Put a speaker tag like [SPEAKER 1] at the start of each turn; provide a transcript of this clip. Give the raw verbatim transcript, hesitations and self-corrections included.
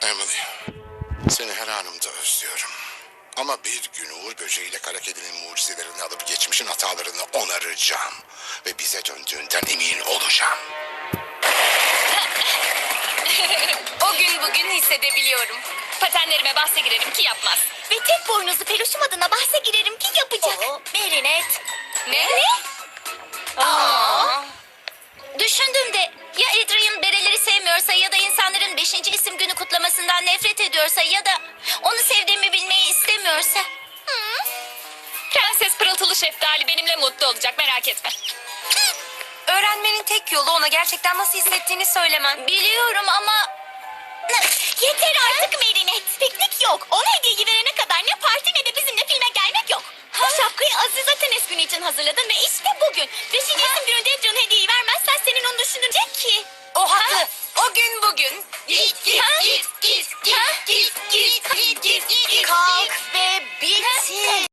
[SPEAKER 1] Emily, seni her anımda özlüyorum. Ama bir gün Uğur Böceği ile Kara Kedi'nin mucizelerini alıp geçmişin hatalarını onaracağım. Ve bize döndüğünden emin olacağım.
[SPEAKER 2] O gün bugün hissedebiliyorum. Patenlerime bahse girerim ki yapmaz.
[SPEAKER 3] Ve tek boynuzlu peluşum adına bahse girerim ki yapacak.
[SPEAKER 2] Merinet. Ne?
[SPEAKER 3] Ne?
[SPEAKER 2] Aa.
[SPEAKER 3] Düşündüm de ya Adrian bereleri sevmiyorsa ya da insanların beşinci isim günü kutlamasından nefret ediyorsa ya da onu sevdiğimi bilmeyi istemiyorsa. Hı?
[SPEAKER 2] Prenses Pırıltılı Şeftali benimle mutlu olacak, merak etme. Öğrenmenin tek yolu ona gerçekten nasıl hissettiğini söylemen.
[SPEAKER 3] Biliyorum ama... Yeter artık Merinet. Piknik yok. Ona hediyeyi verene kadar ne parti ne de bizimle filme gelmek yok. Bu şapkayı Aziza Tenes günü için hazırladın ve işte bugün. Beşinci isim gününde Adrian'a hediyeyi vermezsen senin onu düşünecek ki.
[SPEAKER 2] O haklı. O gün bugün.
[SPEAKER 3] Git git git git git git git git git git. Kalk ve bitir.